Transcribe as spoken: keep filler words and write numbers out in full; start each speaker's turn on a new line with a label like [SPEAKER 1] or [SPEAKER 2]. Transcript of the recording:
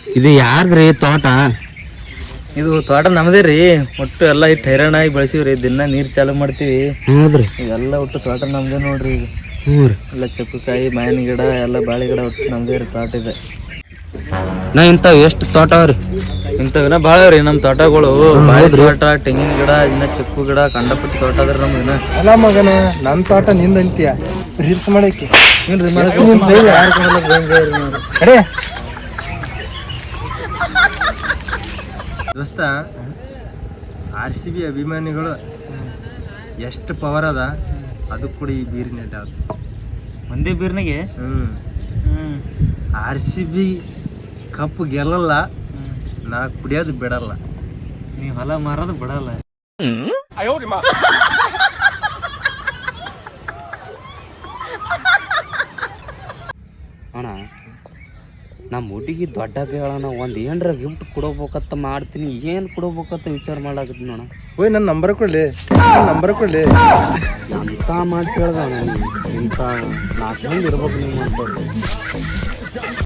[SPEAKER 1] ಇದು ಯಾರ್ದ್ರಿ ತೋಟ?
[SPEAKER 2] ಇದು ತೋಟ ನಮ್ದೇ ರೀ. ಒಟ್ಟು ಎಲ್ಲ ಇಟ್ಟು ಹೈರಾಣಾಗಿ ಬೆಳೆಸಿವ್ರಿ. ದಿನ ನೀರ್ ಚಾಲು ಮಾಡ್ತೀವಿ.
[SPEAKER 1] ಹೌದ್ರಿ.
[SPEAKER 2] ಇವೆಲ್ಲ ಒಟ್ಟು ತೋಟ ನಮ್ದೇ ನೋಡ್ರಿ. ಇದು
[SPEAKER 1] ಹ್ಞೂ ರೀ.
[SPEAKER 2] ಎಲ್ಲ ಚಕ್ಕುಕಾಯಿ, ಮಾವಿನ ಗಿಡ, ಎಲ್ಲ ಬಾಳೆ ಗಿಡ ಒಟ್ಟು ನಮ್ದೇ ರೀ ತೋಟ ಇದೆ.
[SPEAKER 1] ನಾ ಇಂಥವು ಎಷ್ಟು ತೋಟ ಅವ್ರಿ?
[SPEAKER 2] ಇಂಥವಿನ ಭಾಳ ರೀ ನಮ್ಮ ತೋಟಗಳು. ಬಾಳೆ ತೋಟ, ತೆಂಗಿನ ಗಿಡ, ಇನ್ನ ಚಿಕ್ಕು ಗಿಡ, ಕಂಡಪಟ್ಟಿ ತೋಟ ಅದ್ರ ನಮ್ದು. ಇನ್ನ
[SPEAKER 3] ಅಲ್ಲ ಮಗನ, ನನ್ನ ತೋಟ ನಿಂದ ಅಂತೀಯ ರೀಲ್ಸ್ ಮಾಡಕ್ಕೆ
[SPEAKER 2] ಏನ್ರಿ
[SPEAKER 3] ಕಡೆ
[SPEAKER 2] ದೋಸ್ತ,
[SPEAKER 3] ಆರ್ ಸಿ ಬಿ ಅಭಿಮಾನಿಗಳು ಎಷ್ಟು ಪವರ್ ಅದ ಅದು ಕೂಡ ಈ ಬೀರಿನ ಅದ.
[SPEAKER 2] ಒಂದೇ ಬೀರ್ನಾಗೆ
[SPEAKER 3] ಹ್ಮ್
[SPEAKER 2] ಹ್ಮ್
[SPEAKER 3] ಆರ್ ಸಿ ಬಿ ಕಪ್ ಗೆಲ್ಲಲ್ಲ, ನಾ ಕುಡಿಯೋದು ಬಿಡಲ್ಲ.
[SPEAKER 2] ನೀವ್ ಹೊಲ ಮಾರೋದು ಬಿಡಲ್ಲ.
[SPEAKER 1] ಅಣ್ಣ, ನಮ್ಮ ಹುಡುಗಿ ದೊಡ್ಡ ಬೇಳಣ್ಣ, ಒಂದು ಏನರ ಗಿಫ್ಟ್ ಕೊಡಬೇಕಂತ ಮಾಡ್ತೀನಿ. ಏನು ಕೊಡಬೇಕಂತ ವಿಚಾರ ಮಾಡಾಕತ್ತೀನಿ ಅಣ್ಣ.
[SPEAKER 3] ಓಯ್ ನನ್ನ ನಂಬರ್ ಕೊಡ್ಲಿ, ನಂಬರ್ ಕೊಡ್ಲಿ.
[SPEAKER 1] ಎಂತ ಮಾತು ಕೇಳ್ದ ಅಣ್ಣ, ಇಂಥ ನಾಲ್ಕು ಮಂದಿ ಇರ್ಬೇಕು ನೀವು ಅಂತ.